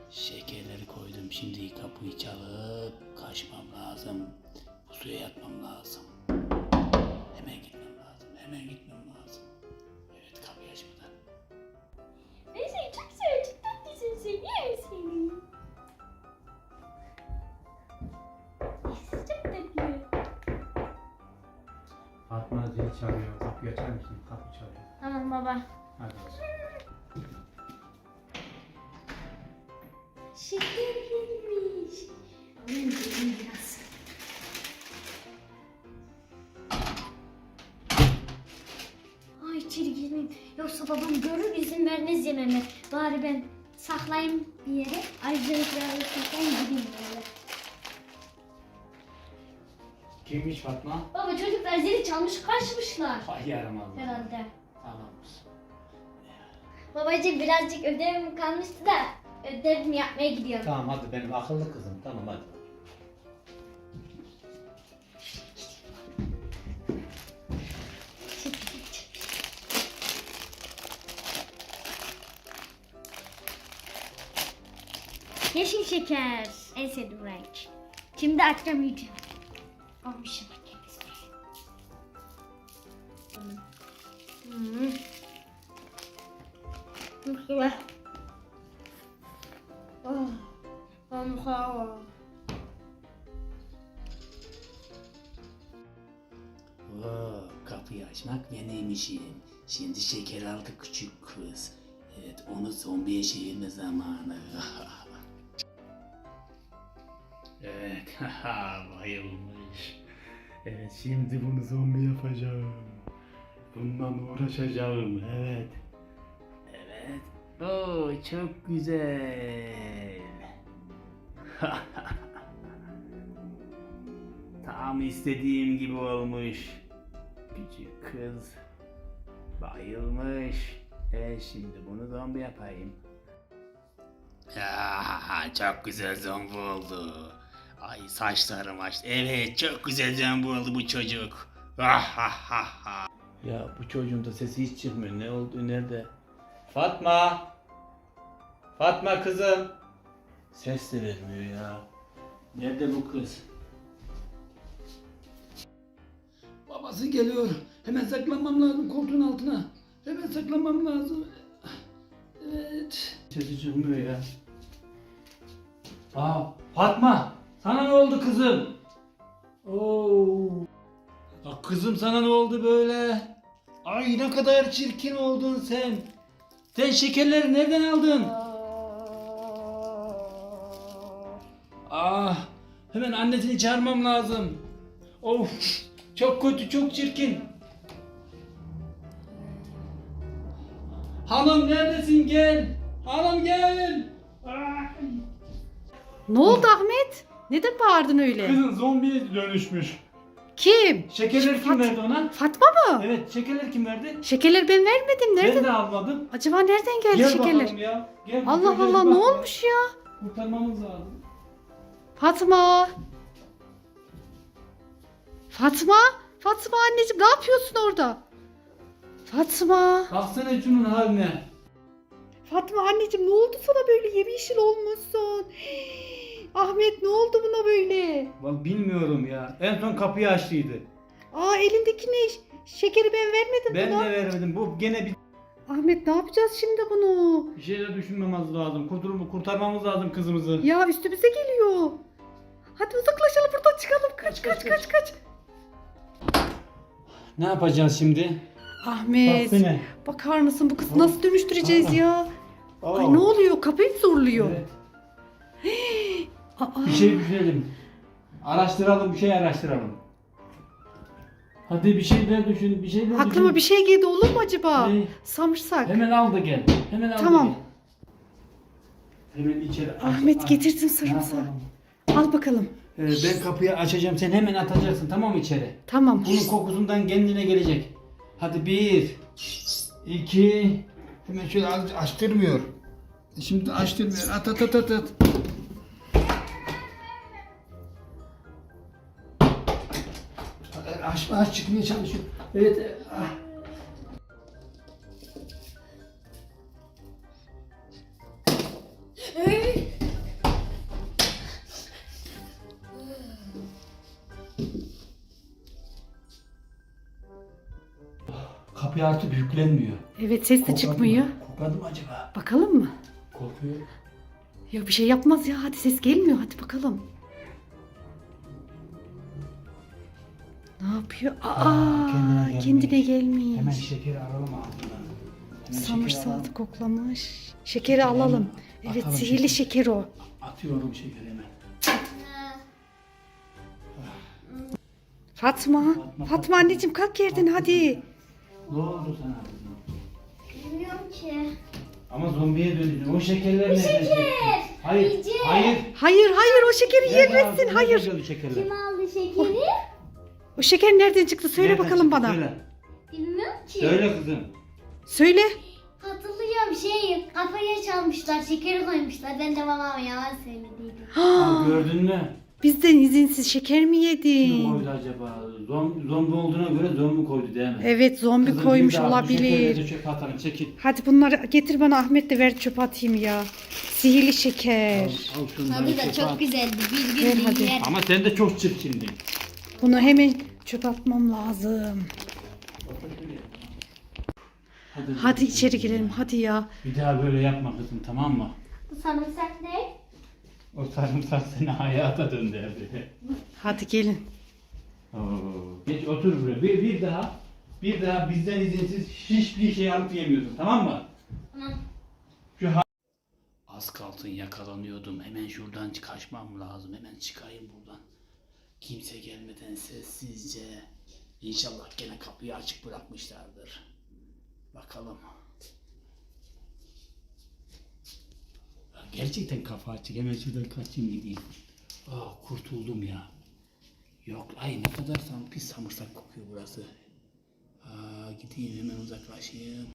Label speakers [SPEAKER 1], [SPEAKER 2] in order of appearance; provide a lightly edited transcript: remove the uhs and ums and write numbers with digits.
[SPEAKER 1] Şekerleri koydum. Şimdi kapıyı çalıp kaçmam lazım. Bu suya yatmam lazım. Hemen gitmem lazım. Hemen gitmem lazım. Evet, kapıyı açmadan.
[SPEAKER 2] Ben seni çok seviyorum. Çok tatlısın. Seviyorum seni. Çok tatlı.
[SPEAKER 3] Fatma zil çalıyor. Kapıyı açar mısın? Kapı çalıyor.
[SPEAKER 2] Tamam baba.
[SPEAKER 3] Hadi bakalım.
[SPEAKER 2] Şeker gelmiş. Alayım gelin biraz. Ay içeri girmeyeyim. Yoksa babam görür izin vermez yememe. Bari ben saklayayım bir yere. Ayrıca gideyim böyle.
[SPEAKER 1] Kimmiş Fatma?
[SPEAKER 2] Baba çocuklar zili çalmış kaçmışlar.
[SPEAKER 1] Ay yaramaz.
[SPEAKER 2] Herhalde.
[SPEAKER 1] Tamamdır.
[SPEAKER 2] Babacığım birazcık ödevim kalmıştı da ödevimi yapmaya gidiyorum.
[SPEAKER 3] Tamam hadi benim akıllı kızım. Tamam hadi.
[SPEAKER 2] Yeşil şeker. En sevdiğim renk. Şimdi açacağım yiyeceğim. Almışım kendisine. Çok güzel.
[SPEAKER 1] Kapıyı açmak benim işim. Şimdi şeker aldı küçük kız. Evet, onu zombiye çevirme zamanı. Evet, bayılmış. Evet, şimdi bunu zombi yapacağım. Bundan uğraşacağım, evet. Evet, oo, çok güzel. Tam istediğim gibi olmuş. Küçük kız bayılmış. Şimdi bunu zombi yapayım. Çok güzel zombi oldu. Ay saçlarım açtı. Evet, çok güzel zombi oldu bu çocuk. Ya bu çocuğun da sesi hiç çıkmıyor. Ne oldu, nerede?
[SPEAKER 3] Fatma! Fatma kızım!
[SPEAKER 1] Ses de vermiyor ya. Nerede bu kız? Babası geliyor. Hemen saklanmam lazım koltuğun altına. Hemen saklanmam lazım. Evet. Sesi çıkmıyor ya.
[SPEAKER 3] Fatma! Sana ne oldu kızım?
[SPEAKER 1] Oo. Kızım, sana ne oldu böyle? Ay, ne kadar çirkin oldun sen. Sen şekerleri nereden aldın? Hemen annesini çağırmam lazım. Of, çok kötü, çok çirkin. Hanım neredesin, gel. Hanım gel.
[SPEAKER 4] Ne oldu Ahmet? Neden bağırdın öyle?
[SPEAKER 1] Kızın zombiye dönüşmüş.
[SPEAKER 4] Kim?
[SPEAKER 1] Şekerleri kim verdi ona?
[SPEAKER 4] Fatma mı?
[SPEAKER 1] Evet, şekerleri kim verdi?
[SPEAKER 4] Şekerleri ben vermedim. Nereden?
[SPEAKER 1] Ben de almadım.
[SPEAKER 4] Acaba nereden geldi
[SPEAKER 1] Gel
[SPEAKER 4] şekerler?
[SPEAKER 1] bakalım ya. Gel,
[SPEAKER 4] Allah
[SPEAKER 1] şekerleri
[SPEAKER 4] Allah,
[SPEAKER 1] bak
[SPEAKER 4] ne
[SPEAKER 1] ya.
[SPEAKER 4] olmuş ya?
[SPEAKER 1] Kurtarmamız lazım.
[SPEAKER 4] Fatma. Fatma. Fatma anneciğim, ne yapıyorsun orada? Fatma.
[SPEAKER 1] Baksana şunun haline.
[SPEAKER 4] Fatma anneciğim, ne oldu sana böyle, yemyeşil olmuşsun? Ahmet, ne oldu buna böyle?
[SPEAKER 1] Bak bilmiyorum ya. En son kapıyı açtıydı.
[SPEAKER 4] Elindeki ne? Şekeri ben vermedim
[SPEAKER 1] Ben
[SPEAKER 4] buna.
[SPEAKER 1] de vermedim. Bu gene bir
[SPEAKER 4] Ahmet, ne yapacağız şimdi bunu?
[SPEAKER 1] şeyler düşünmemiz lazım. Kurtarmamız lazım kızımızı.
[SPEAKER 4] Ya üstümüze geliyor. Hadi uzaklaşalım buradan, çıkalım. Kaç.
[SPEAKER 1] Ne yapacağız şimdi?
[SPEAKER 4] Ahmet,
[SPEAKER 1] Baksana.
[SPEAKER 4] bakar mısın, bu kızı nasıl dönüştüreceğiz ya?
[SPEAKER 1] Aa.
[SPEAKER 4] Ay, ne oluyor? Kapıyı mı zorluyor?
[SPEAKER 1] Evet.
[SPEAKER 4] Aa,
[SPEAKER 1] Bir şey düşünelim. Araştıralım, bir şey araştıralım. Hadi bir şeyler düşün, bir şeyler düşün.
[SPEAKER 4] aklıma bir şey geldi, olur mu acaba?
[SPEAKER 1] Ne?
[SPEAKER 4] Samırsak.
[SPEAKER 1] Hemen al da gel. Hemen al
[SPEAKER 4] Tamam.
[SPEAKER 1] da gel. Hemen içeri.
[SPEAKER 4] Ahmet, getirdim
[SPEAKER 1] Ne
[SPEAKER 4] sarımsağı.
[SPEAKER 1] yapalım?
[SPEAKER 4] Al bakalım.
[SPEAKER 1] Ben kapıyı açacağım, sen hemen atacaksın, tamam mı, içeri?
[SPEAKER 4] Tamam.
[SPEAKER 1] Bunun kokusundan kendine gelecek. Hadi 1, 2, hemen şöyle açtırmıyor. Şimdi açtırmıyor. At. Aç çıkmaya çalışıyor. Evet. kapı artık yüklenmiyor.
[SPEAKER 4] Evet, ses de
[SPEAKER 1] Kokladı
[SPEAKER 4] çıkmıyor.
[SPEAKER 1] mı? Kokladı mı acaba?
[SPEAKER 4] Bakalım mı?
[SPEAKER 1] Korkuyor.
[SPEAKER 4] Ya bir şey yapmaz ya. Hadi ses gelmiyor. Hadi bakalım. Ne yapıyor? Kendine gelmiş.
[SPEAKER 1] Hemen şekeri alalım ağzından. Hemen
[SPEAKER 4] Samırsağı koklamış. Şekeri alalım. Evet,
[SPEAKER 1] Atalım
[SPEAKER 4] sihirli şeker o.
[SPEAKER 1] Atıyorum şekeri hemen.
[SPEAKER 4] Fatma. Fatma anneciğim kalk yerden hadi.
[SPEAKER 1] Ne oldu sana kızım?
[SPEAKER 2] Bilmiyorum ki.
[SPEAKER 1] Ama zombiye döndün. O şekerler nereden çıktı? Hayır.
[SPEAKER 2] Yiyeceğim.
[SPEAKER 1] Hayır.
[SPEAKER 4] Hayır o şekeri
[SPEAKER 1] Nereden
[SPEAKER 4] yiyemezsin.
[SPEAKER 1] aldın?
[SPEAKER 4] Hayır.
[SPEAKER 1] Nereden geldi şekerler?
[SPEAKER 2] Kim aldı şekeri?
[SPEAKER 4] O şeker nereden çıktı? Söyle
[SPEAKER 1] Nereden
[SPEAKER 4] bakalım
[SPEAKER 1] çıktı?
[SPEAKER 4] bana.
[SPEAKER 1] Söyle.
[SPEAKER 2] Bilmiyorum ki.
[SPEAKER 1] Söyle kızım.
[SPEAKER 4] Söyle.
[SPEAKER 2] Hatırlıyorum kafaya çalmışlar, şekeri koymuşlar. Ben de babama yalan söylediydim.
[SPEAKER 1] Gördün mü?
[SPEAKER 4] Bizden izinsiz şeker mi
[SPEAKER 1] Kim
[SPEAKER 4] yedin?
[SPEAKER 1] koydu acaba? Zombi olduğuna göre zombi koydu değil mi?
[SPEAKER 4] Evet, zombi
[SPEAKER 1] Kızım,
[SPEAKER 4] koymuş
[SPEAKER 1] bir daha bu şekerleri
[SPEAKER 4] olabilir.
[SPEAKER 1] de çöpe atalım. Çekil.
[SPEAKER 4] Hadi bunları getir bana, Ahmet de ver çöpe atayım ya. Sihirli şeker.
[SPEAKER 1] Al şunları
[SPEAKER 2] Tadı da
[SPEAKER 1] çöpe
[SPEAKER 2] çok
[SPEAKER 1] at.
[SPEAKER 2] güzeldi. Bir
[SPEAKER 4] Ver
[SPEAKER 2] gün
[SPEAKER 4] hadi.
[SPEAKER 2] yer.
[SPEAKER 1] Ama sen de çok çirkindin.
[SPEAKER 4] Bunu hemen çöpe atmam lazım. Hadi içeri girelim hadi ya.
[SPEAKER 1] Bir daha böyle yapma kızım, tamam mı?
[SPEAKER 2] Bu sarımsak ne?
[SPEAKER 1] O sarımsak seni hayata döndürdü.
[SPEAKER 4] Hadi gelin.
[SPEAKER 1] Oo, geç otur buraya. Bir daha bizden izinsiz hiçbir şey alıp yemiyorsun, tamam mı?
[SPEAKER 2] Tamam.
[SPEAKER 1] Az kalsın yakalanıyordum. Hemen şuradan kaçmam lazım. Hemen çıkayım buradan. Kimse gelmeden sessizce. İnşallah gene kapıyı açık bırakmışlardır. Bakalım. Ya gerçekten kafa açık. Hemen şuradan kaçayım gideyim. Kurtuldum ya. Yok, ay ne kadar pis samırsak kokuyor burası. Gideyim hemen uzaklaşayım.